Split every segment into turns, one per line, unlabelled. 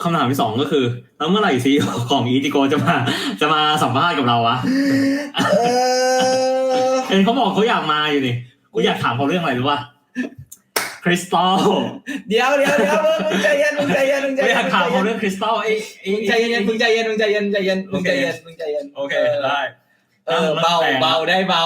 คำถามที่2ก็คือแล้วเมื่อไหร่ซีของอีทิโกจะมาสัมภาษณ์กับเราวะเห็นเขาบอกเขาอยากมาอยู่นี่กูอยากถามเขาเรื่องอะไรรู้ป่ะคริสตัล
เดี๋ยวมึงใจเย็น
ไม่อยากถามเขาเรื่องคริสตัลไอ้
ใจเย็น
โอเคได้
เบาได้เบา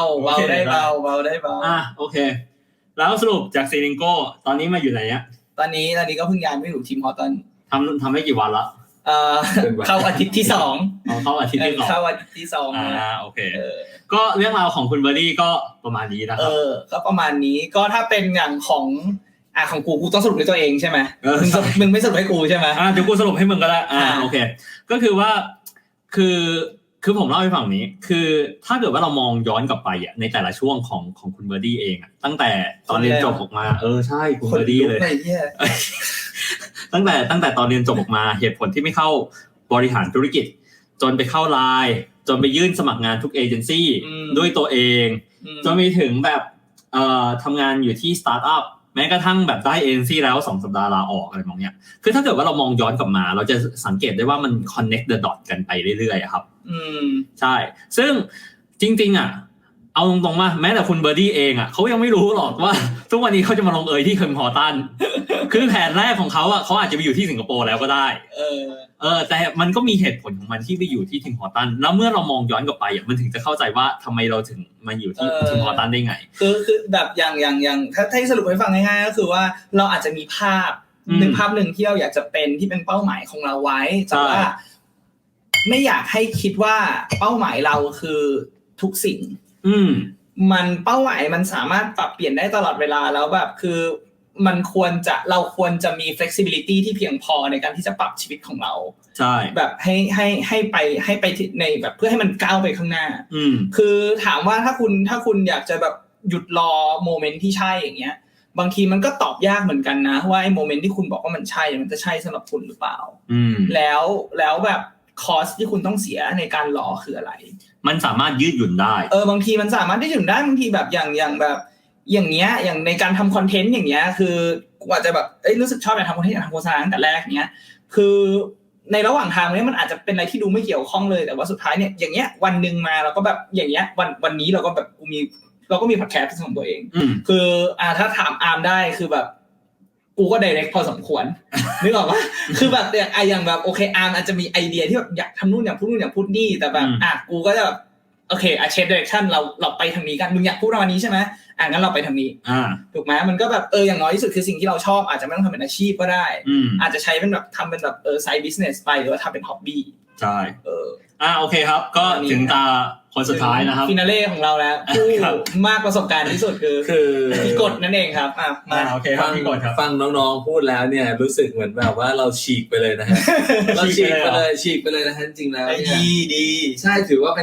โอเคแล้วสรุปจากซีริงโก้ตอนนี้มาอยู่ไหนอ่ะ
ตอนนี้ก็เพิ่งย้ายมาอยู่ทีมฮอตตัน
ทำได้กี่วันละ
เข้าอาทิตย์ที่2
เข้าอาทิตย์ที่2โอเคก็เรื่องราวของคุณเบอร์ดี้ก็ประมาณนี้นะครับ
ก็ประมาณนี้ก็ถ้าเป็นอย่างของกูต้องสรุปด้วยตัวเองใช่ไหมมึงไม่สรุปให้กูใช่ไหม
เดี๋ยวกูสรุปให้มึงก็ได้โอเคก็คือว่าคือผมเล่าให้ฟังนี้คือถ้าเกิดว่าเรามองย้อนกลับไปอ่ะในแต่ละช่วงของคุณเบอร์ดี้เองอ่ะตั้งแต่ตอนเรียนจบออกมาใช่คุณเบอร์ดี้เลยตั้งแต่ตอนเรียนจบออกมาเหตุผลที่ไม่เข้าบริหารธุรกิจจนไปเข้าไลน์จนไปยื่นสมัครงานทุกเอเจนซี่ด้วยตัวเองจนไปถึงแบบทำงานอยู่ที่สตาร์ทอัพแม้กระทั่งแบบได้เอเจนซี่แล้ว2สัปดาห์ลาออกอะไรแบบนี้คือถ้าเกิดว่าเรามองย้อนกลับมาเราจะสังเกตได้ว่ามัน connect the dot กันไปเรื่อยๆครับใช่ซึ่งจริงๆเอาตรงๆว่าแม้แต่คุณเบอร์ดี้เองเขายังไม่รู้หรอกว่าทุกวันนี้เขาจะมาลงที่คิมฮอร์ตันคือแผนแรกของเขาเขาอาจจะไปอยู่ที่สิงคโปร์แล้วก็ได้แต่มันก็มีเหตุผลของมันที่ไปอยู่ที่คิมฮอร์ตันแล้วเมื่อเรามองย้อนกลับไปมันถึงจะเข้าใจว่าทำไมเราถึงมาอยู่ที่คิมฮอร์ตันได้ไง
คือแบบอย่างถ้าสรุปให้ฟังง่ายๆก็คือว่าเราอาจจะมีภาพหนึ่งที่เราอยากจะเป็นที่เป็นเป้าหมายของเราไว้แต่ว่าไม่อยากให้คิดว่าเป้าหมายเราคือทุกสิ่งมันเป้าหมายมันสามารถปรับเปลี่ยนได้ตลอดเวลาแล้วแบบคือเราควรจะมี flexibility ที่เพียงพอในการที่จะปรับชีวิตของเรา
ใช่
แบบให้ไปในแบบเพื่อให้มันก้าวไปข้างหน้าคือถามว่าถ้าคุณอยากจะแบบหยุดรอโมเมนต์ที่ใช่อย่างเงี้ยบางทีมันก็ตอบยากเหมือนกันนะว่าไอ้โมเมนต์ที่คุณบอกว่ามันใช่มันจะใช่สำหรับคุณหรือเปล่าแล้วแบบคอสที่คุณต้องเสียในการรอคืออะไร
มันสามารถยืดหยุ่นได้
บางทีมันสามารถยืดหยุ่นได้บางทีแบบอย่างแบบอย่างเงี้ยอย่างในการทำคอนเทนต์อย่างเงี้ยคือกูอาจจะแบบรู้สึกชอบอยากทำคอนเทนต์อยากทำโฆษณาตั้งแต่แรกเนี้ยคือในระหว่างทางนี้มันอาจจะเป็นอะไรที่ดูไม่เกี่ยวข้องเลยแต่ว่าสุดท้ายเนี่ยอย่างเงี้ยวันนึงมาเราก็แบบอย่างเงี้ยวันนี้เราก็แบบเราก็มีพอดแคสต์ของตัวเองคือถ้าถามอาร์มได้คือแบบกูก็ direct พอสมควรนึกออกป่ะคือแบบอย่างแบบโอเคอาร์มอาจจะมีไอเดียที่แบบอยากทำนู่นอยากพูดนู่นอยากพูดนี่แต่แบบกูก็จะแบบโอเคเชฟ direction เราไปทางนี้กันมึงอยากพูดวันนี้ใช่ไหมงั้นเราไปทางนี้ถูกไหมมันก็แบบอย่างน้อยที่สุดคือสิ่งที่เราชอบอาจจะไม่ต้องทำเป็นอาชีพก็ได้อาจจะใช้เป็นแบบทำเป็นแบบside business ไปหรือว่าทำเป็น hobby
ใช่โอเคครับก็ถึงตาคนสุดท้ายนะครับ
ฟินาเล่ของเราแล้วผู้มากประสบการณ์ที่สุดคือพี่กดนั่นเองครับ
มาโอเคครับพี่กดครับ
ฟังน้องๆพูดแล้วเนี่ยรู้สึกเหมือนแบบว่าเราฉีกไปเลยนะฮะเราฉีกไปเลยนะฮะจริงๆแล้ว
ดี
ใช่ถือว่า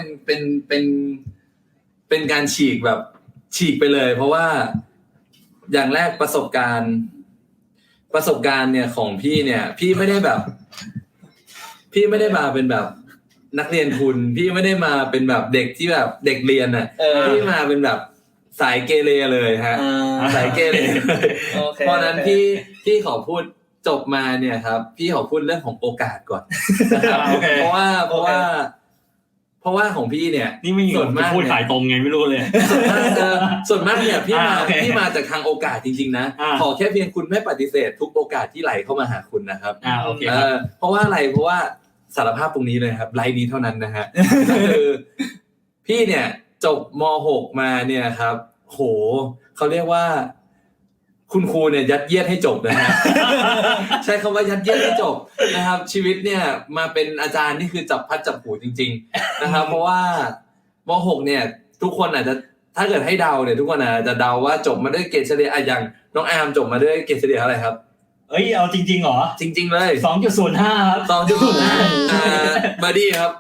เป็นการฉีกแบบฉีกไปเลยเพราะว่าอย่างแรกประสบการณ์เนี่ยของพี่เนี่ยพี่ไม่ได้มาเป็นแบบนักเรียนทุนพี่ไม่ได้มาเป็นแบบเด็กที่แบบเด็กเรียนพี่มาเป็นแบบสายเกเรเลยฮะสายเกเรเพราะนั้นพี่ขอพูดจบมาเนี่ยครับพี่ขอพูดเรื่องของโอกาสก่อนนะครับเพราะว่าของพี่เนี่ย
นี่ไม่ส่วนมากพูดขายตรงไงไม่รู้เลย
ส่วนมากเนี่ยพี่มาจากทางโอกาสจริงๆนะขอแค่เพียงคุณไม่ปฏิเสธทุกโอกาสที่ไหลเข้ามาหาคุณนะครับ
โอเค
เพราะว่าอะไรเพราะว่าสารภาพตรงนี้เลยครับไลน์นี้เท่านั้นนะฮะก็คือพี่เนี่ยจบม.6 มาเนี่ยครับโหเขาเรียกว่าคุณครูเนี่ยยัดเยียดให้จบนะฮะใช้คำว่ายัดเยียดให้จบนะครับชีวิตเนี่ยมาเป็นอาจารย์นี่คือจับพัดจับผูจริงๆนะครับเพราะว่าม .6 เนี่ยทุกคนอาจจะถ้าเกิดให้เดาเนี่ยทุกคนอาจจะเดาว่าจบมาด้วยเกรดเฉลี่ยอย่างน้องอาร์มจบมาด้วยเกรดเฉลี่ยอะไรครับ
เอาจริงๆเหรอ
จริงๆเลย
2.05 ครับ
2.05 บัดดี้ครับ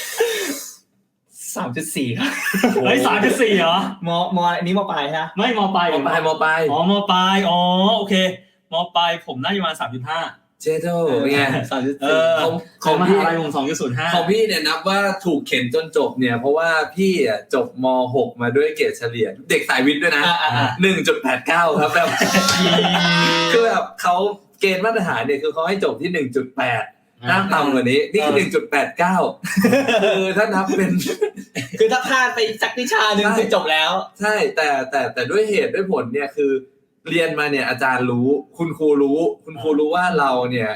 3.4 ครับ
3.4 เหรอ
มอันนี้มปลายใช่มั้ย
ไม่มปลาย
มปลาย
มปลายโอเคมปลายผมน่าจะประมาณ 3.5
เจโต้เป็นไง
ของมหาลัยผม 2.05
ของพี่เนี่ยนับว่าถูกเข็นจนจบเนี่ยเพราะว่าพี่จบม.6 มาด้วยเกรดเฉลี่ยเด็กสายวิทย์ด้วยนะ 1.89 ครับแบบคือแบบเขาเกณฑ์มาตรฐานเนี่ยคือเขาให้จบที่ 1.8 ห้ามต่ำกว่านี้นี่คือ 1.89 คือถ้านับเป็น
คือถ้าพลาดไปสักวิชาหนึ่งคือจบแล้ว
ใช่แต่ด้วยเหตุด้วยผลเนี่ยคือเรียนมาเนี่ยอาจารย์รู้คุณครูรู้ว่าเราเนี่ย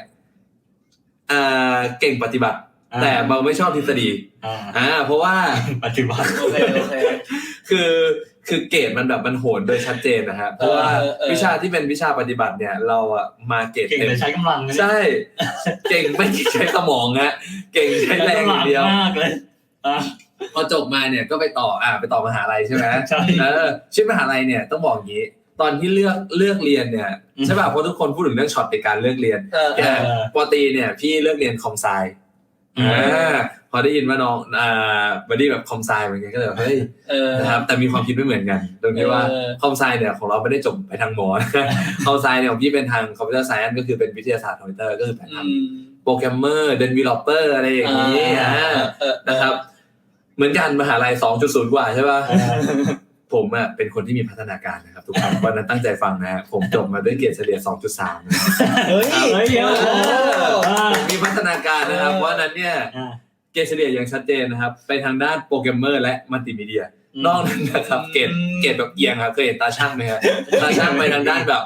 เก่งปฏิบัติแต่เราไม่ชอบทฤษฎีเพราะว่า
ปฏิบัติ
โอเค
คือเกรดมันแบบมันโหนโดยชัดเจนนะฮะเพราะว่าวิชาที่เป็นวิชาปฏิบัติเนี่ยเราอะมาเกรดเต็ม
ใช้กำลัง
ใช่เก่งไม่ใช้สมองฮะเก่งใช้แรงอย่างเดียว
มากเลย
พอจบมาเนี่ยก็ไปต่อมหาลัยใช่ไหมใช่ชื่อมหาลัยเนี่ยต้องบอกอย่างนี้ตอนที่เลือกเรียนเนี่ยใช่ป่ะเพราะทุกคนพูดถึงเรื่องช็อตในการเลือกเรียนปตรีเนี่ยพี่เลือกเรียนคอมไซพอได้ยินว่าน้องบอดี้แบบคอมไซเหมือนกันก็เลยเฮ้ยนะครับแต่มีความคิดไม่เหมือนกันตรงที่ว่าคอมไซเนี่ยของเราไม่ได้จบไปทางหมอคอมไซเนี่ยของพี่เป็นทางคอมพิวเตอร์ไซน์ก็คือเป็นวิทยาศาสตร์คอมพิวเตอร์ก็คือเป็นทางโปรแกรมเมอร์เดเวลลอปเปอร์อะไรอย่างนี้นะครับเหมือนกันมหาลัย 2.0 กว่าใช่ป่ะผมเป็นคนที่มีพัฒนาการนะครับทุกคนวันนั้นตั้งใจฟังนะผมจบมาด้วยเกรดเฉลี่ย 2.3 นะครับ
เฮ้ย
มีพัฒนาการนะครับเพราะนั้นเนี่ยเกรดเฉลี่ยอย่างชัดเจนนะครับไปทางด้านโปรแกรมเมอร์และมัลติมีเดียนอกนั้นนะครับเกรดแบบเอียงครับเคยเห็นตาช่างไหมครับตาช่างไปทางด้านแบบ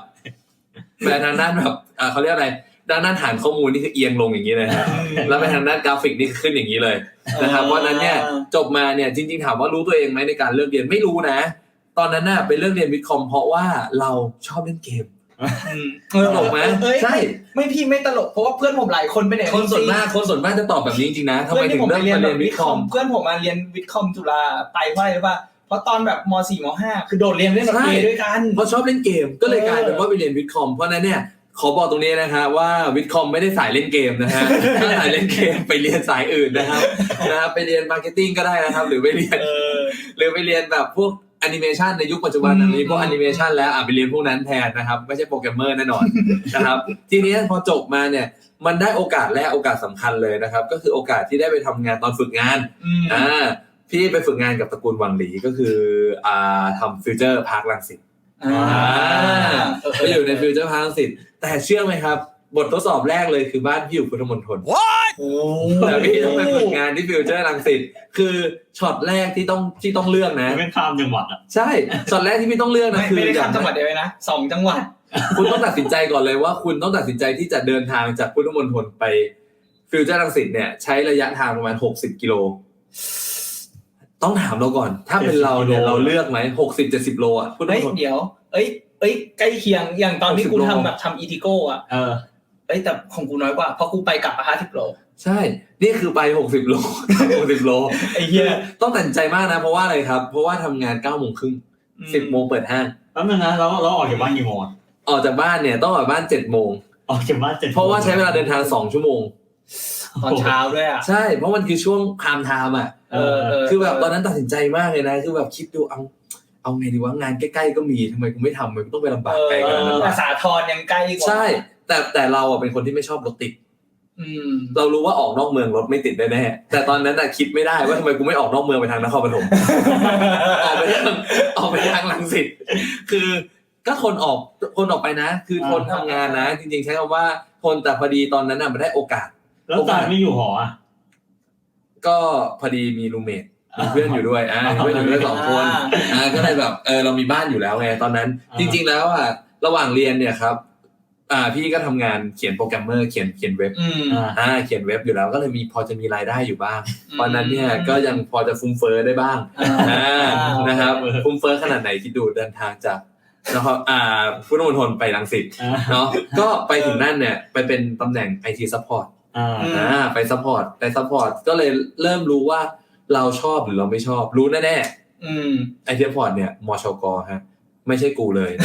เขาเรียกอะไรด้านฐานข้อมูลนี่คือเอียงลงอย่างนี้เลยครับแล้วไปทางด้านกราฟิกนี่ขึ้นอย่างนี้เลยนะครับเพราะนั้นเนี่ยจบมาเนี่ยจริงๆถามว่ารู้ตัวเองไหมในการเลือกเรียนไม่รู้นะตอนนั้นน่ะไปเลือกเรียนวิทย์คอมเพราะว่าเราชอบเล่นเกมตลกไหมใช่
ไม่พี่ไม่ตลกเพราะว่าเพื่อนผมหลายคนไปไหน
คนส่วนมากจะตอบแบบนี้จริงๆนะทำไมถึงเลือกเรียนวิทย์คอม
เพื่อนผมมาเรียนวิทย์คอมจุฬาไปเพราะตอนแบบม.4 ม.5 คือโดดเรียนเล่นดนตรีด้วยกัน
เพราะชอบเล่นเกมก็เลยกลายเป็นว่าไปเรียนวิทย์คอมเพราะนั้นเนี่ยขอบอกตรงนี้นะฮะว่าวิทย์คอมไม่ได้สายเล่นเกมนะฮะถ้าสายเล่นเกมไปเรียนสายอื่นนะครับไปเรียนมาร์เก็ตติ้งก็ได้นะครับหรือไปเรียนแบบพวกแอนิเมชันในยุคปัจจุบันนี้พวกแอนิเมชันแล้วไปเรียนพวกนั้นแทนนะครับไม่ใช่โปรแกรมเมอร์แน่นอนนะครับทีนี้พอจบมาเนี่ยมันได้โอกาสและโอกาสสำคัญเลยนะครับก็คือโอกาสที่ได้ไปทำงานตอนฝึกงานพี่ไปฝึกงานกับตระกูลวังหลีก็คือทำฟิวเจอร์พาร์ครังสิตไปอยู่ในฟิวเจอร์พาร์ครังสิตแต่เชื่อไหมครับบททดสอบแรกเลยคือบ้านพี่อยู่พุทธมณฑลแต่พี่ต้องไปฝึกงานที่ฟิวเจอร์รังสิตคือช็อตแรกที่ต้องเลือกนะ
เป็นข้ามจังหวัดอ่ะ
ใช่ช็อตแรกที่พี่ต้องเลือกนะคือ
ไม่ได้ข้ามจังหวัดเดียวนะ2จังหวัด
คุณต้องตัดสินใจก่อนเลยว่าคุณต้องตัดสินใจที่จะเดินทางจากพุทธมณฑลไปฟิวเจอร์รังสิตเนี่ยใช้ระยะทางประมาณ60กิโลต้องถามเราก่อนถ้าเป็นเราเนี่ยเราเลือกไหม60-70โลอ่ะ
เดี๋ยวใกล้เคียงอย่างตอนที่กูทำอีทิโก้อ่ะแต่ของกูน้อยกว่าเพราะกูไปกลับมา50โล
ใช่นี่คือไป60โล60โล
ไอ้เหี้ย
ต้องตัดใจมากนะเพราะว่าอะไรครับเพราะว่าทำงาน 9:30 น. 10:00 น. เปิดห้าง
แล้วนึงนะเราออกจากบ้านกี่โมง
ออกจากบ้านเนี่ยต้องออกบ้าน 7:00 น.
ออกจากบ้าน7:00 น.
เพราะว่าใช้เวลาเดินทาง2ชั่วโมง
ตอนเช้าด้วยอ่ะ
ใช่เพราะมันคือช่วงไทม์ไทม์อ่ะคือแบบตอนนั้นตัดสินใจมากเลยนะคือแบบคิดดูเอาไงดีวะงานใกล้ๆก็มีทำไมกูไม่ทำมันต้องไปลำบากไกลขนาดนั้น
สาทรยังใกล้กว่า
ใช่แต่เราเป็นคนที่ไม่ชอบรถติดเรารู้ว่าออกนอกเมืองรถไม่ติดแน่ๆแต่ตอนนั้นคิดไม่ได้ว่าทำไมกูไม่ออกนอกเมืองไปทางนครปฐมออกไปทางรังสิตคือก็ทนออกไปนะคือทนทำงานนะจริงๆใช้คำว่าทนแต่พอดีตอนนั้นมันได้โอกาส
แล้วตอนไม่อยู่หอ
ก็พอดีมีรูมเมทมีเพื่อนอยู่ด้วยเพื่อนอยู่ด้วย2คนก็เลยแบบเรามีบ้านอยู่แล้วไงตอนนั้นจริงๆแล้วระหว่างเรียนเนี่ยครับพี่ก็ทำงานเขียนโปรแกรมเมอร์เขียนเว็บเขียนเว็บอยู่แล้วก็เลยพอจะมีรายได้อยู่บ้างตอนนั้นเนี่ยก็ยังพอจะฟุ้งเฟ้อได้บ้างนะครับฟุ้งเฟ้อขนาดไหนคิดดูเดินทางจากนะครับพุทธมณฑลไปรังสิตเนาะก็ไปถึงนั่นเนี่ยไปเป็นตำแหน่ง IT support ไปซัพพอร์ตก็เลยเริ่มรู้ว่าเราชอบหรือเราไม่ชอบรู้แน่ๆIT support เนี่ยมชกฮะไม่ใช่กูเลย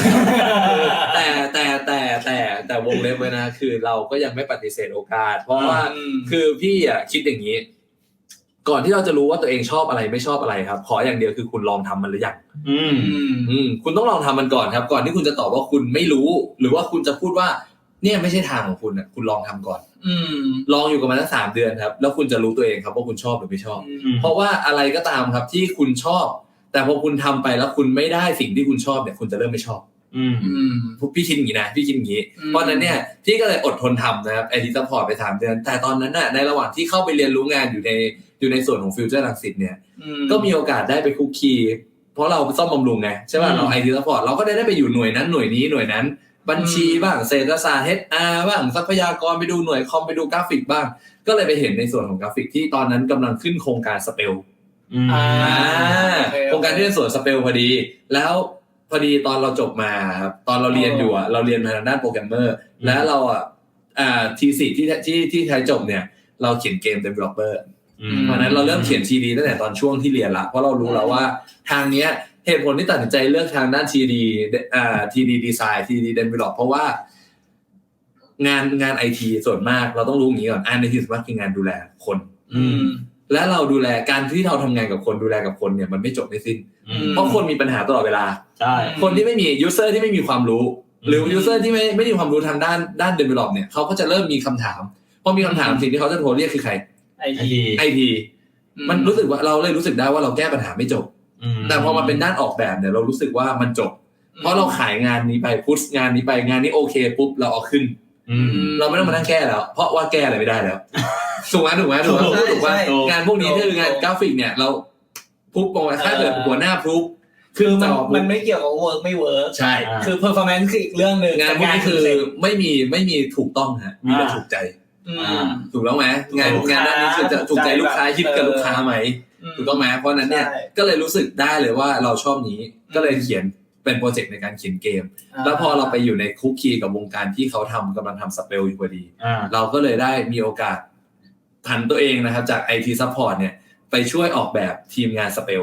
แต่วงเล็บไว้นะคือเราก็ยังไม่ปฏิเสธโอกาสเพราะว่าคือพี่คิดอย่างนี้ก่อนที่เราจะรู้ว่าตัวเองชอบอะไรไม่ชอบอะไรครับขออย่างเดียวคือคุณลองทำมันหรือยังคุณต้องลองทำมันก่อนครับก่อนที่คุณจะตอบว่าคุณไม่รู้หรือว่าคุณจะพูดว่าเนี่ยไม่ใช่ทางของคุณคุณลองทำก่อนลองอยู่กับมันสัก3 เดือนครับแล้วคุณจะรู้ตัวเองครับว่าคุณชอบหรือไม่ชอบเพราะว่าอะไรก็ตามครับที่คุณชอบแต่พอคุณทำไปแล้วคุณไม่ได้สิ่งที่คุณชอบเนี่ยคุณจะเริ่มไม่ชอบพี่คิดอย่างนี้นะพี่คิดอย่างนี้เพราะนั้นเนี่ยพี่ก็เลยอดทนทำนะครับ IT Support ไป3 เดือนแต่ตอนนั้นน่ะในระหว่างที่เข้าไปเรียนรู้งานอยู่ในส่วนของฟิวเจอร์รังสิตเนี่ยก็มีโอกาสได้ไปคุกคีเพราะเราซ่อมบำรุงไงใช่ป่ะเรา IT Support เราก็ได้ไปอยู่หน่วยนั้นหน่วยนี้หน่วยนั้นบัญชีบ้างเศรษฐศาสตร์ HR บ้างทรัพยากรไปดูหน่วยคอมไปดูกราฟิกบ้างก็เลยไปเห็นในส่วนของกราฟิกที่ตอนนั้นกำลังขึ้นโครงการสเปลโครงการที่เป็นส่วนสเปลพอดีแล้วพอดีตอนเราจบมาครับตอนเราเรียนอยู่อ่ะเราเรียนมาทางด้านโปรแกรมเมอร์แล้วเราที4ที่ไทยจบเนี่ยเราเขียนเกม developer เพราะนั้นเราเริ่มเขียน TD ตั้งแต่ตอนช่วงที่เรียนละเพราะเรารู้แล้วว่าทางเนี้ยเหตุผลที่ตัดสินใจเลือกทางด้าน TD design TD develop เพราะว่างาน IT ส่วนมากเราต้องรู้อย่างนี้ก่อนIT ส่วนมากคืองานดูแลคนและเราดูแลการที่เราทำงานกับคนดูแลกับคนเนี่ยมันไม่จบไม่สิ้นเพราะคนมีปัญหาตลอดเวลา
ใช่
คนที่ไม่มี user ที่ไม่มีความรู้หรือ user ที่ไม่มีความรู้ทางด้าน develop เนี่ยเขาก็จะเริ่มมีคำถามพอมีคำถามสิ่งที่เขาจะโทรเรียกคือใคร IT มันรู้สึกว่าเราเลยรู้สึกได้ว่าเราแก้ปัญหาไม่จบแต่พอมาเป็นด้านออกแบบเนี่ยเรารู้สึกว่ามันจบเพราะเราขายงานนี้ไปพุชงานนี้ไปงานนี้โอเคปุ๊บเราเอาขึ้นเราไม่ต้องมานั่งแก้แล้วเพราะว่าแก้อะไรไม่ได้แล้วถูกไหมว่างานพวกนี้คืองานกราฟิกเนี่ยเราพุบลงไปถ้าเกิดหัวหน้าพุบ
คือมันไม่เกี่ยวกับเวิร์กไม่เวิร์ก
ใช่
คือ performance คืออีกเรื่องนึง
งานพวกนี้คือไม่มีถูกต้องฮะมีแต่ถูกใจถูกแล้วไหมงานด้านนี้คือจะถูกใจลูกค้าคิดกับลูกค้าไหมถูกต้องไหมเพราะนั้นเนี่ยก็เลยรู้สึกได้เลยว่าเราชอบนี้ก็เลยเขียนเป็นโปรเจกต์ในการเขียนเกมแล้วพอเราไปอยู่ในคุกคีกับวงการที่เขากำลังทำสเปลอยู่พอดีเราก็เลยได้มีโอกาสผันตัวเองนะครับจาก IT Support เนี่ยไปช่วยออกแบบทีมงานสเปล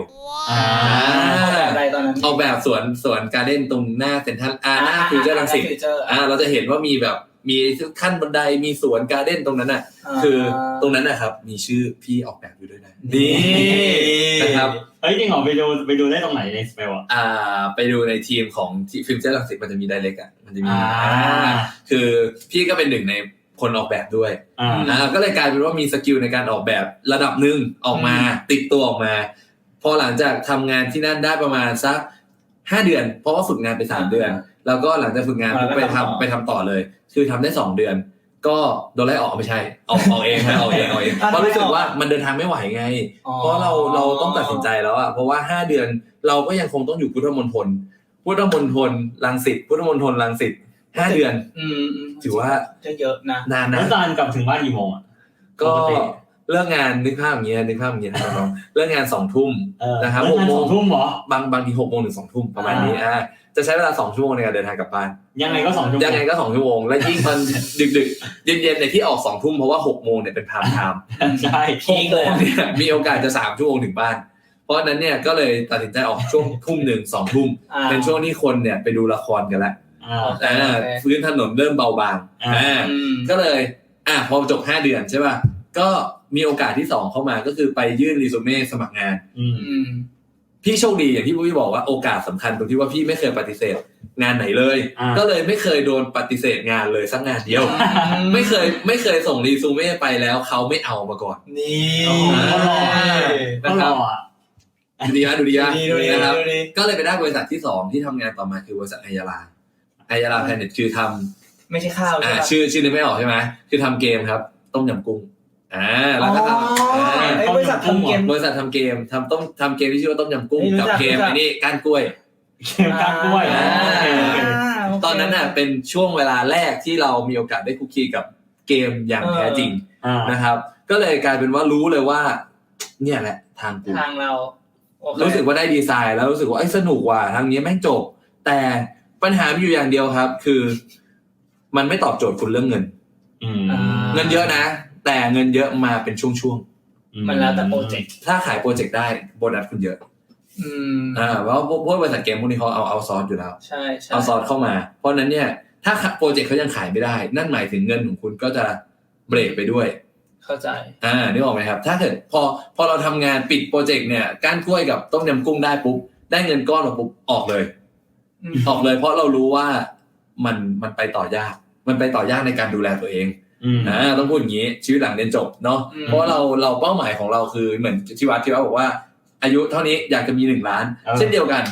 ออกแบบสวนการ์เด้นตรงหน้าเซ็นทรัลหน้าฟิวเจอร์รังสิตเราจะเห็นว่ามีขั้นบันไดมีสวนการ์เด้นตรงนั้นน่ะคือตรงนั้นนะครับมีชื่อพี่ออกแบบอยู่ด้วยนะนี่นะครับ
จริงเหรอไปดูได้ตรงไหนในสเปล
ไปดูในทีมของฟิวเจอร์รังสิตมันจะมีไดเรกมันจะมีคือพี่ก็เป็นหนึ่งในคนออกแบบด้วยก็เลยกลายเป็นว่ามีสกิลในการออกแบบระดับนึงออกมาติดตัวออกมาพอหลังจากทำงานที่นั่นได้ประมาณสัก5 เดือนเพราะว่าฝึกงานไป3 เดือนแล้วก็หลังจากฝึกงานไปทำต่อเลยคือทำได้2 เดือนก็โดนไล่ออกไม่ใช่ออกเองนะออกเองเพราะรู้สึกว่ามันเดินทางไม่ไหวไงเพราะเราต้องตัดสินใจแล้วอ่ะเพราะว่า5 เดือนเราก็ยังคงต้องอยู่พุทธมณฑลรังสิตพุทธมณฑลรังสิต5 เดือนถือว่า
เยอะนะ
นานนะ
แล้วตอนกลับถึงบ้านกี่โมงอ่ะ
ก็เลิกงานนึกภาพอย่างเงี้ยนะครับน้องเลิกงาน 2 ทุ่มนะครับ6 โมง
2 ทุ่มเหร
อบางที6 โมงถึง 2 ทุ่มประมาณนี้จะใช้เวลา2 ชั่วโมงในการเดินทางกลับบ้าน
ยังไงก็2 ชั่วโม
งและยิ่งตอนดึกๆเย็นๆในที่ออก2 ทุ่มเพราะว่า6 โมงเนี่ยเป็นไทม์ไทม์
ใช่
พีคเลยมีโอกาสจะ3 ชั่วโมงถึงบ้านเพราะนั้นเนี่ยก็เลยตัดสินใจออกช่วง 1-2 ทุ่มเป็นช่วงที่คนเนี่ยไปดูละครกันแล้วพื้นถนนเริ่มเบาบางก็เลยพอจบ5 เดือนใช่ป่ะก็มีโอกาสที่2เข้ามาก็คือไปยื่นรีซูเม่สมัครงานพี่โชคดีอย่างที่พี่บอกว่าโอกาสสำคัญตรงที่ว่าพี่ไม่เคยปฏิเสธงานไหนเลยก็เลยไม่เคยโดนปฏิเสธงานเลยสักงานเดียวไม่เคยส่งรีซูเม่ไปแล้วเขาไม่เอามาก่อน
นี่
นะครับดูดีนะครับก็เลยไปได้บริษัทที่2ที่ทำงานต่อมาคือบริษัทอัยราแพลเน็ตคือทำ
ไม่ใช่ข้าว
ชื่อนึกไม่ออกใช่ไหมคือทำเกมครับต้มยำกุ้งแล้วก็
บริษัททำเก
มทำเกมที่ชื่อว่าต้มยำกุ้งกับเกมนี่ก้านกล้วยตอนนั้นน่ะเป็นช่วงเวลาแรกที่เรามีโอกาสได้คุกคีกับเกมอย่างแท้จริงนะครับก็เลยกลายเป็นว่ารู้เลยว่าเนี่ยแหละทาง
เรา
รู้สึกว่าได้ดีไซน์แล้วรู้สึกว่าสนุกว่ะทางนี้แม่งจบแต่ปัญหาอยู่อย่างเดียวครับคือมันไม่ตอบโจทย์คุณเรื่องเงินเงินเยอะนะแต่เงินเยอะมาเป็นช่วง
ๆมันแล้วแต่โปรเจกต์
ถ้าขายโปรเจกต์ได้โบนัสคุณเยอะเพราะพวกบริษัทเกมพวกนี้เขาเอาซอร์สอยู่แล้ว
ใช่
เอาซอร์สเข้ามาเพราะนั้นเนี่ยถ้าโปรเจกต์เขายังขายไม่ได้นั่นหมายถึงเงินของคุณก็จะเบรกไปด้วย
เข้าใจ
นึกออกไหมครับถ้าเกิดพอเราทำงานปิดโปรเจกต์เนี่ยก้านกล้วยกับต้มยำกุ้งได้ปุ๊บได้เงินก้อนมาปุ๊บออกเลยเพราะเรารู้ว่ามันไปต่อยากในการดูแลตัวเองต้องพูดอย่างนี้ชีวิตหลังเรียนจบเนาะเพราะเราเป้าหมายของเราคือเหมือนที่วัดบอกว่าอายุเท่านี้อยากจะมี1 ล้านเช่นเดียวกัน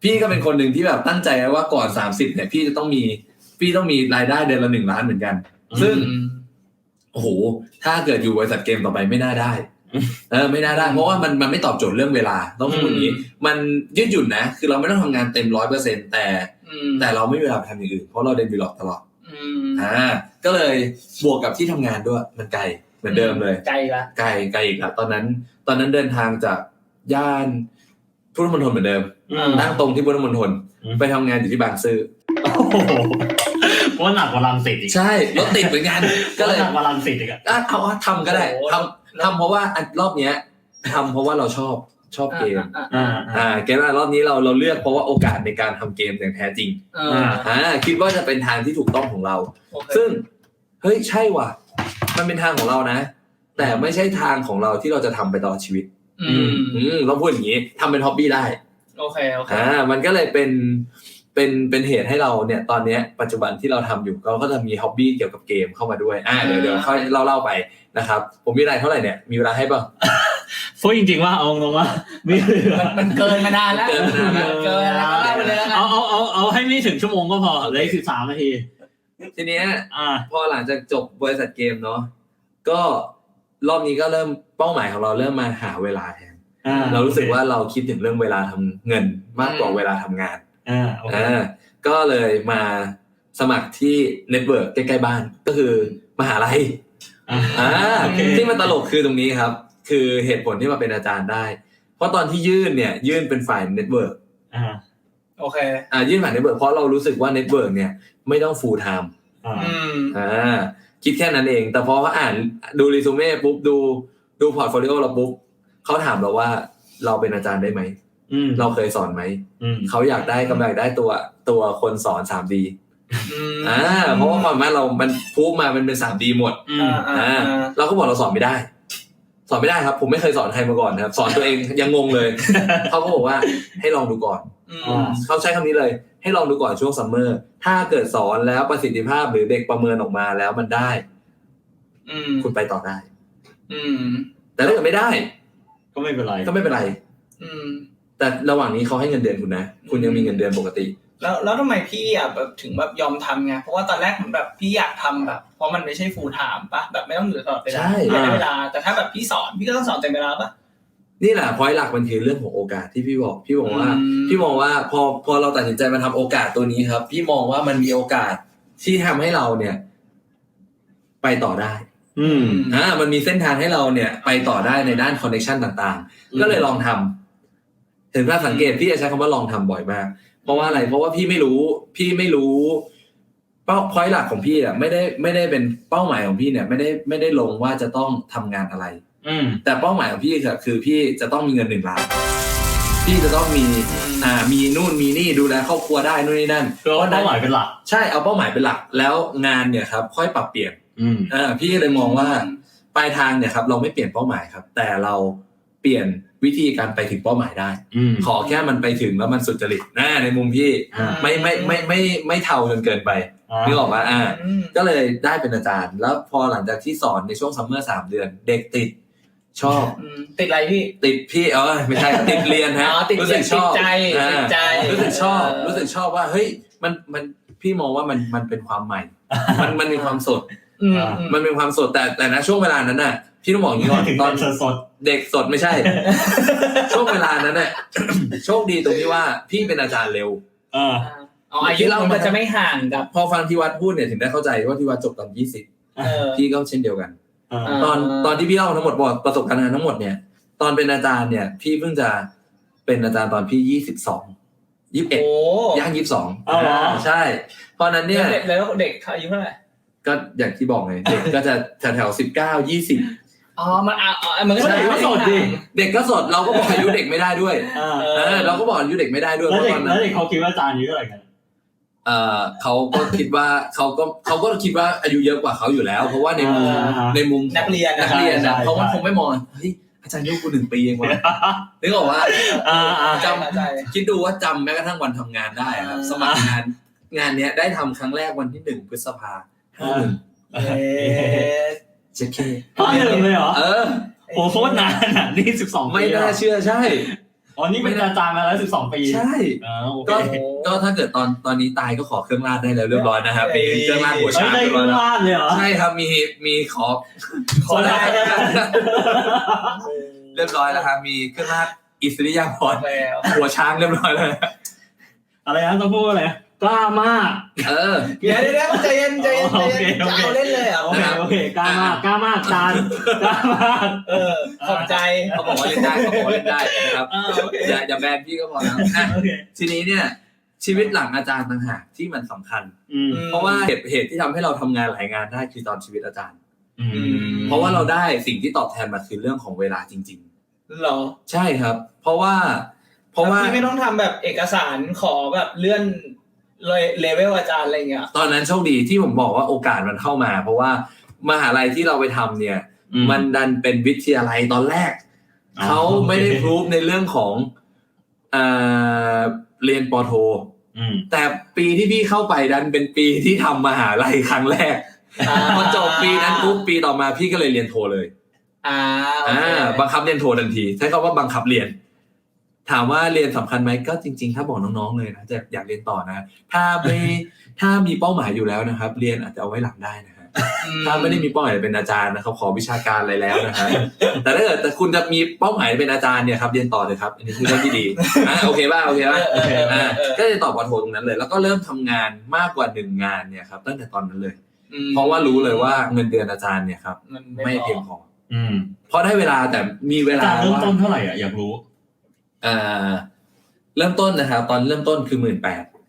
พี่ก็เป็นคนหนึ่งที่แบบตั้งใจไว้ว่าก่อน30เนี่ยพี่ต้องมีรายได้เดือนละ1 ล้านเหมือนกันซึ่งโอ้โหถ้าเกิดอยู่บริษัทเกมต่อไปไม่น่าได้ไม่น่าได้เพราะว่ามันไม่ตอบโจทย์เรื่องเวลาต้องพูดอย่างนี้มันยืดหยุ่นนะคือเราไม่ต้องทำงานเต็ม 100% แต่เราไม่มีเวลาไปทำอย่างอื่นเพราะเราเรียนวีล็อกตลอดก็เลยบวกกับที่ทำงานด้วยมันไกลเหมือนเดิมเลยไกลอีกละตอนนั้นเดินทางจากย่านพุทธมณฑลเหมือนเดิมนั่งตรงที่พุทธมณฑลไปทำงานอยู่ที่บางซื่อ
เพราะหนักกว่ารังสิตอีก
ใช่รถติดเหมือนกันก็เลย
หนักกว่ารังสิตอีก
เอาทำก็ได้ทำเพราะว่ารอบเนี้ยทำเพราะว่าเราชอบเกมเกมรอบนี้เราเลือกเพราะว่าโอกาสในการทำเกมอย่างแท้จริงคิดว่าจะเป็นทางที่ถูกต้องของเราซึ่งเฮ้ยใช่ว่ะมันเป็นทางของเรานะแต่ไม่ใช่ทางของเราที่เราจะทำไปตลอดชีวิตต้องพูดอย่างนี้ทำเป็นฮ็อบบี้ได้
โอเค
มันก็เลยเป็นเหตุให้เราเนี่ยตอนนี้ปัจจุบันที่เราทำอยู่เราก็จะมีฮ็อบบี้เกี่ยวกับเกมเข้ามาด้วยเดี๋ยวค่อยเล่าไปนะครับผมมีอะไรเท่าไหร่เนี่ยมีเวลาให้ป่ะ
พูดจริงๆว่าเอาตรงว่า
มันเกินมานานแล้วเกินแล้วไปเลยแล้ว
เอาให้ไม่ถึงชั่วโมงก็พอเลย13 นาที
ทีเนี้ยพอหลังจากจบบริษัทเกมเนาะก็รอบนี้ก็เริ่มเป้าหมายของเราเริ่มมาหาเวลาแทนเรารู้สึกว่าเราคิดถึงเรื่องเวลาทำเงินมากกว่าเวลาทำงานก็เลยมาสมัครที่เน็ตเวิร์กใกล้ๆบ้านก็คือมหาลัยที่มันตลกคือตรงนี้ครับคือเหตุผลที่มาเป็นอาจารย์ได้เพราะตอนที่ยื่นเป็นฝ่ายเน็ตเวิร์ก
โอเค
ยื่นฝ่ายเน็ตเวิร์กเพราะเรารู้สึกว่าเน็ตเวิร์กเนี่ยไม่ต้องฟูลไทม์คิดแค่นั้นเองแต่พอเขาอ่านดูรีซูเม่ปุ๊บดูพอร์ตโฟลิโอเราปุ๊บเขาถามเราว่าเราเป็นอาจารย์ได้ไหมเราเคยสอนไหมเขาอยากได้ตัวคนสอน 3D เพราะว่าความว่าเรามันพูดมามันเป็น 3D หมดเราก็บอกเราสอนไม่ได้ครับผมไม่เคยสอนใครมาก่อนนะครับสอนตัวเองยังงงเลยเขาก็บอกว่าให้ลองดูก่อนเขาใช้คำนี้เลยให้ลองดูก่อนช่วงซัมเมอร์ถ้าเกิดสอนแล้วประสิทธิภาพหรือเด็กประเมินออกมาแล้วมันได้คุณไปต่อได้แต่ถ้าเกิดไม่ได้
ก็ไม่เป็นไร
แต่ระหว่างนี้เขาให้เงินเดือนคุณนะคุณยังมีเงินเดือนปกติ
แล้วทำไมพี่แบบถึงแบบยอมทำไงเพราะว่าตอนแรกผมแบบพี่อยากทำแบบเพราะมันไม่ใช่ full time ป่ะแบบไม่ต้องอยู่ตลอดเวลาได้เวลาแต่ถ้าแบบพี่สอนพี่ก็ต้องสอนเต็มเวลาป่ะ
นี่แหละพอยต์หลักมันคือเรื่องของโอกาสที่พี่บอกว่าพอเราตัดสินใจมาทำโอกาสตัวนี้ครับพี่มองว่ามันมีโอกาสที่ทำให้เราเนี่ยไปต่อได้มันมีเส้นทางให้เราเนี่ยไปต่อได้ในด้านคอนเนคชั่นต่างๆก็เลยลองทำถึงถ้าสังเกตพี่จะใช้คำว่าลองทำบ่อยมากเพราะว่าอะไรเพราะว่าพี่ไม่รู้เป้าพอยต์หลักของพี่อ่ะไม่ได้เป็นเป้าหมายของพี่เนี่ยไม่ได้ลงว่าจะต้องทำงานอะไรแต่เป้าหมายของพี่คือพี่จะต้องมีเงิน1 ล้านพี่จะต้องมีนู่นมีนี่ดูแลครอบครัวได้นู่นนี่นั่น
เพราะเป้าหมายเป็นหลัก
ใช่เอาเป้าหมายเป็นหลักแล้วงานเนี่ยครับค่อยปรับเปลี่ยนพี่เลยมองว่าปลายทางเนี่ยครับเราไม่เปลี่ยนเป้าหมายครับแต่เราเปลี่ยนวิธีการไปถึงเป้าหมายได้ขอแค่มันไปถึงแล้วมันสุจริตในมุมพี่ไม่เท่าจนเกินไปนึกออกป่ะก็เลยได้เป็นอาจารย์แล้วพอหลังจากที่สอนในช่วงซัมเมอร์3 เดือนเด็กติดชอบ
ติดอะไรพี่
ติดพี่ไม่ใช่ติดเรียนฮะ
รู้สึกชอบใจ
รู้สึกชอบว่าเฮ้ยมันพี่มองว่ามันเป็นความใหม่มันมีความสดมันเป็นความสดแต่นะช่วงเวลานั้นน่ะพี่ต้องบอกอย่างนี้ก่อนตอน
สด
เด็กสดไม่ใช่ ช่วงเวลานั้นน่ะโชคดีตรงที่ว่าพี่เป็นอาจารย์เร็ว
อายุเรามันจะไม่ห่างกับ
พอฟังที่วัดพูดเนี่ยถึงได้เข้าใจว่าที่วัดจบตอน20พี่ก็เช่นเดียวกันตอนที่พี่เล่าทั้งหมดบอกประสบการณ์ทั้งหมดเนี่ยตอนเป็นอาจารย์เนี่ยพี่เพิ่งจะเป็นอาจารย์ตอนพี่21ย่าง22ใช่เพราะนั้นเนี่ย
แล้วเด็กอายุเท่าไหร่
ก็อย่างที่บอกไงเด็กก็จะแถว19-20
มันก็
เด็กก็สดดิ
เด็กก็สดเราก็บอกอายุเด็กไม่ได้ด้วยเราก็บอกอายุเด็กไม่ได้ด้วย
แล้วเด็กเขาคิดว่าอาจารย์อายุเท่าไหร่กัน
เขาก็คิดว่าเขาก็คิดว่าอายุเยอะกว่าเขาอยู่แล้วเพราะว่าในมุม
นักเรียน
นะเขาคงไม่มองเฮ้ยอาจารย์อายุกู1 ปีเองวะนึกออกว่าจำคิดดูว่าจำแม้กระทั่งวันทำงานได้ครับสมัครงานเนี้ยได้ทำครั้งแรกวันที่1 พฤษภาคมเจ๊เค
1เลยเหรอโอ้โคตรนานอ่ะนี่12
ไม่น่าเชื่อใช่
อ๋อนี่เป็นอาจารย์มาแล้ว12 ปี
ใช่
โอเค
ก็ถ้าเกิดตอนนี้ตายก็ขอเครื่องราชได้แล้วเรียบร้อยนะครับมีเครื่องราชหัวช้าง
ได้
เรียบ
เค
ร้
รื่
อย
อง
แล้ว
ราชเลยเหรอ
ใช่ครับมีขอได้เรียบร้อยแล้วครับมีเครื่องราชอิสริยาภรณ์
แล้ว
หัวช้างเรียบร้อยแล้ว
อะไรนะต้องพูดอะไรกล้ามาก
เดี๋ยวใจเย็นจะเอาเล่นเลยเหรอ
โอเคกล้ามากจานกล้ามาก
ขอบใจ
เขาบอกว่าเล่นได้นะครับอย่าแบนพี่ก็พอแล้วทีนี้เนี่ยชีวิตหลังอาจารย์ต่างหากที่มันสำคัญเพราะว่าเหตุที่ทำให้เราทำงานหลายงานได้คือตอนชีวิตอาจารย์เพราะว่าเราได้สิ่งที่ตอบแทนมาคือเรื่องของเวลาจริง
ๆหรอ
ใช่ครับเพราะว่า
พี่ไม่ต้องทำแบบเอกสารขอแบบเลื่อนเลเวลอาจารย์อะไรเงี้ย
ตอนนั้นโชคดีที่ผมบอกว่าโอกาสมันเข้ามาเพราะว่ามหาลัยที่เราไปทำเนี่ยมันดันเป็นวิทยาลัยตอนแรกเขาไม่ได้พรูฟในเรื่องของเรียนป.โทแต่ปีที่พี่เข้าไปดันเป็นปีที่ทำมหาลัยครั้งแรกพอจบปีนั้นปุ๊บปีต่อมาพี่ก็เลยเรียนโทเลยบังคับเรียนโททันทีใช้คำว่าบังคับเรียนถามว่าเรียนสำคัญไหมก็จริงๆถ้าบอกน้องๆเลยนะจะอยากเรียนต่อนะถ้ามีเป้าหมายอยู่แล้วนะครับเรียนอาจจะเอาไว้หลังได้นะฮะถ้าไม่ได้มีเป้าหมายเป็นอาจารย์นะครับขอวิชาการอะไรแล้วนะฮะแต่ถ้าเกิดคุณจะมีเป้าหมายเป็นอาจารย์เนี่ยครับเรียนต่อเลยครับอันนี้คือเรื่องที่ดีโอเคป่ะก็จะต่อป.โทตรงนั้นเลยแล้วก็เริ่มทำงานมากกว่า1งานเนี่ยครับตั้งแต่ตอนนั้นเลยเพราะว่ารู้เลยว่าเงินเดือนอาจารย์เนี่ยครับไม่เพียงพอเพราะได้เวลาแต่มีเวลา
เริ่มต้นเท่าไหร่อ่ะอยากรู้
เริ่มต้นนะครับตอนเริ่มต้นคือ 18,000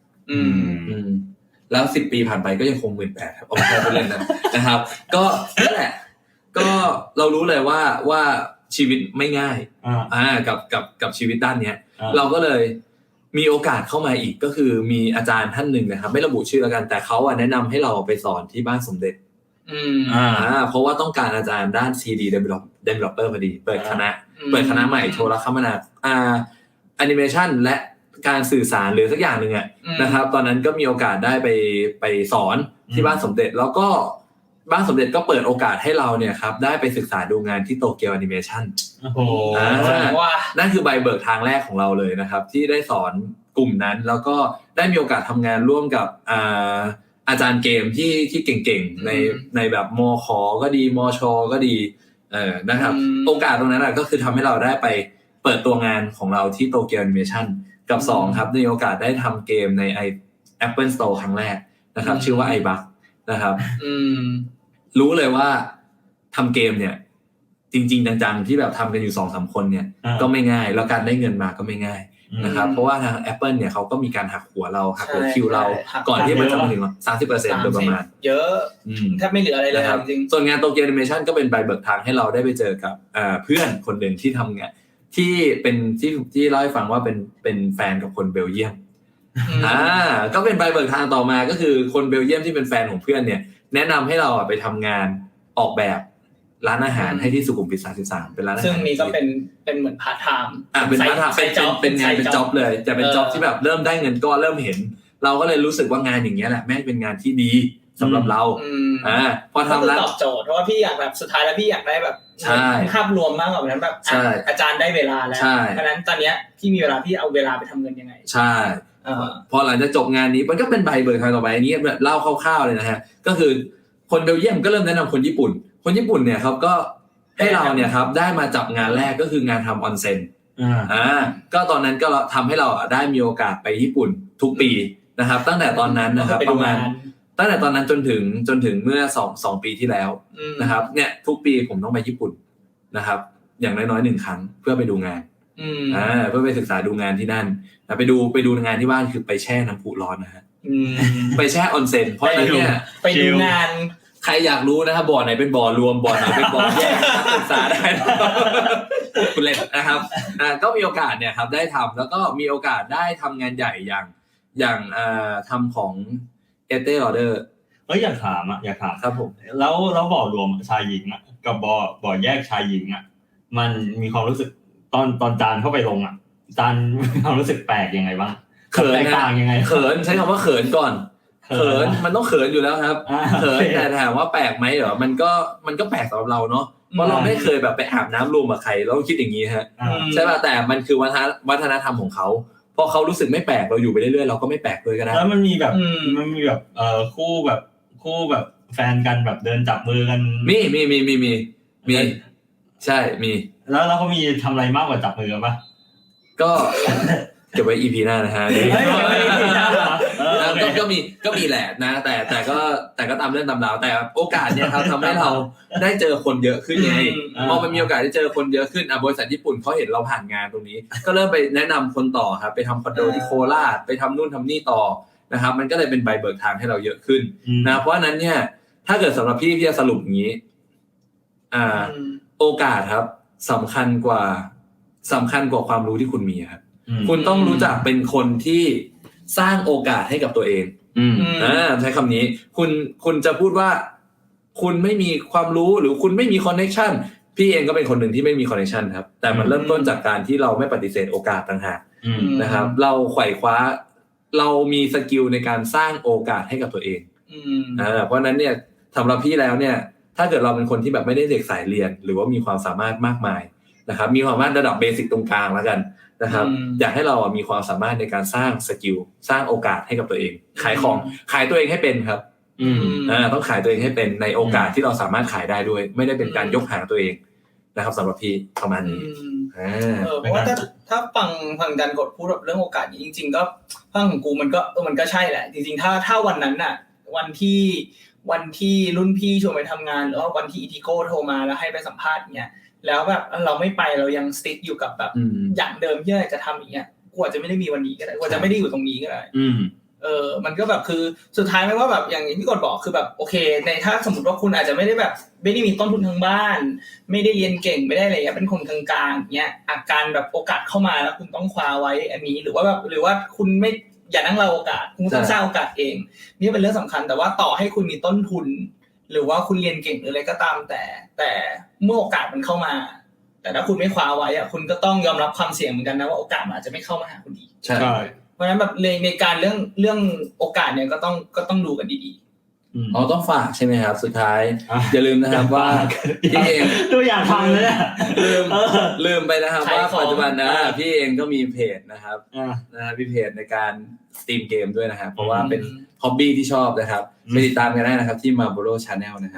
แล้ว10 ปีผ่านไปก็ยังคง 18,000 ครับเอาไม่ใช่พูดเล่นนะครับก็นั่นแหละก็เรารู้เลยว่าชีวิตไม่ง่ายกับชีวิตด้านเนี้ยเราก็เลยมีโอกาสเข้ามาอีกก็คือมีอาจารย์ท่านหนึ่งนะครับไม่ระบุชื่อแล้วกันแต่เขาแนะนำให้เราไปสอนที่บ้านสมเด็จเพราะว่าต้องการอาจารย์ด้าน CD developer พอดีเปิดคณะใหม่โทรคมนาแอนิเมชันและการสื่อสารหรือสักอย่างนึงนะครับตอนนั้นก็มีโอกาสได้ไปสอนที่บ้านสมเด็จแล้วก็บ้านสมเด็จก็เปิดโอกาสให้เราเนี่ยครับได้ไปศึกษาดูงานที่โตเกียวแอนิเมชันนั่นคือใบเบิกทางแรกของเราเลยนะครับที่ได้สอนกลุ่มนั้นแล้วก็ได้มีโอกาสทำงานร่วมกับอาจารย์เกมที่เก่งๆในแบบมข.ก็ดีมช.ก็ดีนะครับโอกาสตรงนั้นก็คือทำให้เราได้ไปเปิดตัวงานของเราที่โตเกียวแอนิเมชันกับ2ครับในโอกาสได้ทำเกมใน Apple Store ครั้งแรกนะครับชื่อว่า iBug นะครับรู้เลยว่าทำเกมเนี่ยจริงๆจังๆที่แบบทำกันอยู่ 2-3 คนเนี่ยก็ไม่ง่ายแล้วการได้เงินมาก็ไม่ง่ายนะครับเพราะว่าทาง Apple เนี่ยเขาก็มีการหักหัวเราหักหัวคิวเราก่อนที่มันจะมาถึง 30% โดยประมาณ
เยอะแทบไม่เหลืออะไรเลยจริง
ส่วนงานโตเกียวแอนิเมชันก็เป็นใบเบิกทางให้เราได้ไปเจอกับเพื่อนคนหนึ่งที่ทำงานที่เป็นที่เล่าให้ฟังว่าเป็นแฟนกับคนเบลเยียมก็เป็นใบเบิกทางต่อมาก็คือคนเบลเยียมที่เป็นแฟนของเพื่อนเนี่ยแนะนำให้เราไปทำงานออกแบบร้านอาหารให้ที่สุขุมวิท 33เป็นร้านอาหาร
ซึ่งนี้ก็เป็นเหมือนพาร์ทไทม์
เป็นพาร์ทไทม์เป็นงานเป็นจ็อบเลยจะเป็นจ็อบที่แบบเริ่มได้เงินก็เริ่มเห็นเราก็เลยรู้สึกว่างานอย่างเงี้ยแหละแม่งเป็นงานที่ดีสำหรับเราพอทำแล้ว
ตอบโจทย์เพราะว่าพี่อยากแบบสุดท้ายแล้วพี่อยากได้แบบภาพรวมมากกว่านั้นแบบอาจารย์ได้เวลาแล้วเพราะนั้นตอนเนี้ยพี่มีเวลาพี่เอาเวลาไปทำเงินยังไง
ใช่พอหลังจากจบงานนี้มันก็เป็นใบเบิกทางต่อไปนี้เล่าคร่าวๆเลยนะฮะก็คือคนเบลเยียมก็เริ่มแนะนำคนญี่ปุ่นเนี่ยครับก็ให้เราเนี่ยครับได้มาจับงานแรกก็คืองานทำออนเซ็นก็ตอนนั้นก็ทำให้เราได้มีโอกาสไปญี่ปุ่นทุกปีนะครับตั้งแต่ตอนนั้นนะครับประมาณตั้งแต่ตอนนั้นจนถึงเมื่อ2 ปีที่แล้วนะครับเนี่ยทุกปีผมต้องไปญี่ปุ่นนะครับอย่างน้อยๆ1 ครั้งเพื่อไปดูงานเพื่อไปศึกษาดูงานที่นั่นไปดูงานที่บ้านคือไปแช่น้ำพุร้อนนะฮะไปแช่ออนเซ็นเพราะนั้นเนี่ย
ไปดูงาน
ใครอยากรู้นะครับบ่อไหนเป็นบ่อรวมบ่อไหนเป็นบ่อแยกศึกษาได้คุณเล่นนะครับก็มีโอกาสเนี่ยครับได้ทำแล้วก็มีโอกาสได้ทำงานใหญ่อย่างทำของเอเต้ออเดอร์
อยากถาม
ครับผม
แล้วบ่อรวมชายหญิงอ่ะกับบ่อแยกชายหญิงอ่ะมันมีความรู้สึกตอนจานเข้าไปลงอ่ะจานมีความรู้สึกแปลกยังไงบ้าง
เขิน
ต่างยังไง
เขินใช้คำว่าเขินก่อนเขินมันต้องเขินอยู่แล้วครับเขินแต่ถามว่าแปลกไหมเหรอมันก็แปลกสำหรับเราเนาะเพราะเราไม่เคยแบบไปอาบน้ำรวมกับใครเราคิดอย่างนี้ฮะใช่ป่ะแต่มันคือวัฒนธรรมของเขาพอเขารู้สึกไม่แปลกเราอยู่ไปเรื่อยๆเราก็ไม่แปลกเลยก็ได้
แล้วมันมีแบบคู่แบบแฟนกันแบบเดินจับมือกัน
มีใช่มี
แล้วเขามีทำอะไรมากกว่าจับมือกันป่ะ
ก็เก็บไว้ EP หน้านะฮะก็มีแหละนะแต่ก็ตามเรื่องตามราวแต่โอกาสเนี่ยครับทำให้เราได้เจอคนเยอะขึ้นไงพอมันมีโอกาสได้เจอคนเยอะขึ้นบริษัทญี่ปุ่นเขาเห็นเราผ่านงานตรงนี้ก็เริ่มไปแนะนำคนต่อครับไปทำคอนโดที่โคราชไปทำนู่นทำนี่ต่อนะครับมันก็เลยเป็นใบเบิกทางให้เราเยอะขึ้นนะเพราะฉะนั้นเนี่ยถ้าเกิดสำหรับพี่จะสรุปอย่างนี้โอกาสครับสำคัญกว่าความรู้ที่คุณมีครับคุณต้องรู้จักเป็นคนที่สร้างโอกาสให้กับตัวเองใช้คำนี้คุณจะพูดว่าคุณไม่มีความรู้หรือคุณไม่มีคอนเนคชั่นพี่เองก็เป็นคนหนึ่งที่ไม่มีคอนเนคชั่นครับแต่มันเริ่มต้นจากการที่เราไม่ปฏิเสธโอกาสต่างหากนะครับเราไขว่คว้าเรามีสกิลในการสร้างโอกาสให้กับตัวเองเพราะนั้นเนี่ยสำหรับพี่แล้วเนี่ยถ้าเกิดเราเป็นคนที่แบบไม่ได้เด็กสายเรียนหรือว่ามีความสามารถมากมายนะครับมีความสามารถระดับเบสิกตรงกลางแล้วกันนะครับอยากให้เรามีความสามารถในการสร้างสกิลสร้างโอกาสให้กับตัวเองขายตัวเองให้เป็นครับต้องขายตัวเองให้เป็นในโอกาสที่เราสามารถขายได้ด้วยไม่ได้เป็นการยกหาตัวเองนะครับสำหรับพี่ประมาณนี้
เพราะว่าถ้าฟังดันกดพูดแบบเรื่องโอกาสจริงๆก็ฟังของกูมันก็ใช่แหละจริงๆถ้าวันนั้นน่ะวันที่รุ่นพี่ชวนไปทำงานหรือว่าวันที่อีทิโก้โทรมาแล้วให้ไปสัมภาษณ์เงี้ยแล้วแบบเราไม่ไปเรายังสติ๊กอยู่กับแบบอย่างเดิมที่เราจะทำอย่างเงี้ยกว่าจะไม่ได้มีวันนี้ก็ได้กว่าจะไม่ได้อยู่ตรงนี้ก็ได้มันก็แบบคือสุดท้ายไม่ว่าแบบอย่างที่กดบอกคือแบบโอเคในถ้าสมมติว่าคุณอาจจะไม่ได้มีต้นทุนทางบ้านไม่ได้เรียนเก่งไม่ได้อะไรเงี้ยเป็นคนกลางๆเงี้ยอาการแบบโอกาสเข้ามาแล้วคุณต้องคว้าไว้อันนี้หรือว่าคุณไม่อย่านั่งรอโอกาสคุณต้องสร้างโอกาสเองนี่เป็นเรื่องสำคัญแต่ว่าต่อให้คุณมีต้นทุนหรือว่าคุณเรียนเก่งหรืออะไรก็ตามแต่เมื่อโอกาสมันเข้ามาแต่ถ้าคุณไม่คว้าไว้อะคุณก็ต้องยอมรับความเสี่ยงเหมือนกันนะว่าโอกาสมันอาจจะไม่เข้ามาหาคุณอีก
ใช่
เพราะฉะนั้นแบบในการเรื่องโอกาสเนี่ยก็ต้องดูกันดี
ๆต้องฝากใช่ไหมครับสุดท้ายอย่าลืมนะครับว่าพี่เอง
ตัวอย่างฟังเลย
ลืมไปนะครับว่าปัจจุบันนะพี่เองก็มีเพจนะครับมีเพจในการสตรีมเกมด้วยนะครับเพราะว่าเป็นฮ็อบบี้ที่ชอบนะครับไปติดตามกันได้นะครับที่ Marlboro Channel นะครับ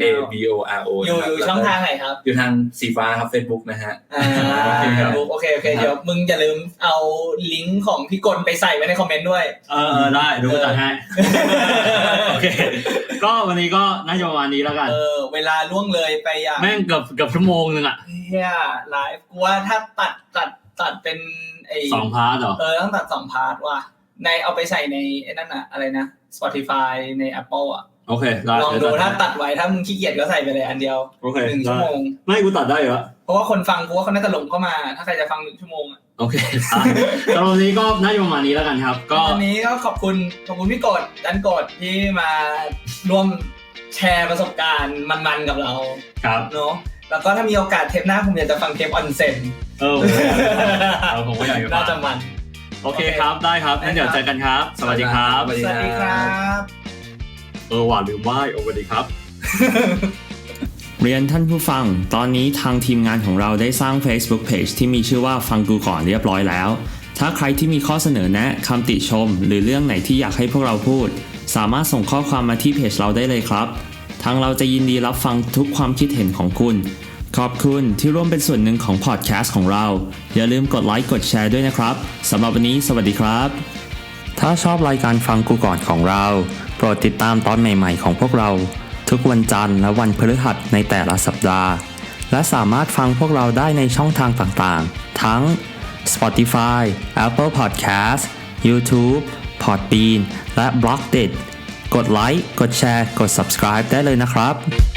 MABORO
อยู่ช่องทางไหนครับ
อยู่ทางสีฟ้าครับ Facebook นะฮะ
โอเคเดี๋ยวมึงอย่าลืมเอาลิงก์ของพี่กลไปใส่ไว้ในคอมเมนต์ด้วย
ได้ดูจัดให้โอเคก็วันนี้ก็น่าจะประมาณนี้แล้วกัน
เวลาล่วงเลยไป
แม่งเกือบชั่วโมงนึงอ่ะ
เหี้ยไลฟ์กูว่าถ้าตัดเป็นไอ้
2พาร์ทเหรอ
ต้องตัด2พาร์ทว่ะในเอาไปใส่ในไอ้นั่นน่ะอะไรนะ Spotify ใน Apple อ่ะ
โอเคได้
ลองดูถ้าตัดไว้ถ้ามึงขี้เกียจก็ใส่ไปเลยอันเดียว1ชั่วโมง
ไม่กูตัดได้เหรอ
เพราะว่าคนฟังกูว่าเขาน่าจะหลงเข้ามาถ้าใครจะฟัง1ชั่วโมงอ่ะ
โอเคตอนนี้ก็น่าจะประมาณนี้แล้วกันครับก็
วันนี้ก็ขอบคุณพี่กดดันกดที่มาร่วมแชร์ประสบการณ์มันๆกับเรา
ครับ
เนาะแล้วก็ถ้ามีโอกาสเทปหน้าผมอยากจะฟังเทปออนเซ็น
ผมก็อยากจะ
น่าจะมัน
โอเคครับได้ครับงั้นเดี๋ยวเจอกันครับสวัสดีครับ
สวัสดีครับ
ว่าลืมไหว้สวัสดีครับ
เรียนท่านผู้ฟังตอนนี้ทางทีมงานของเราได้สร้าง Facebook Page ที่มีชื่อว่าฟังกูก่อนเรียบร้อยแล้วถ้าใครที่มีข้อเสนอแนะคำติชมหรือเรื่องไหนที่อยากให้พวกเราพูดสามารถส่งข้อความมาที่เพจเราได้เลยครับทางเราจะยินดีรับฟังทุกความคิดเห็นของคุณขอบคุณที่ร่วมเป็นส่วนหนึ่งของพอดแคสต์ของเราอย่าลืมกดไลค์กดแชร์ด้วยนะครับสำหรับวันนี้สวัสดีครับถ้าชอบรายการฟังกูก่อนของเราโปรดติดตามตอนใหม่ๆของพวกเราทุกวันจันทร์และวันพฤหัสในแต่ละสัปดาห์และสามารถฟังพวกเราได้ในช่องทางต่างๆทั้ง Spotify, Apple Podcast, YouTube, Podbean และ Blockdit กดไลค์กดแชร์กด Subscribe ได้เลยนะครับ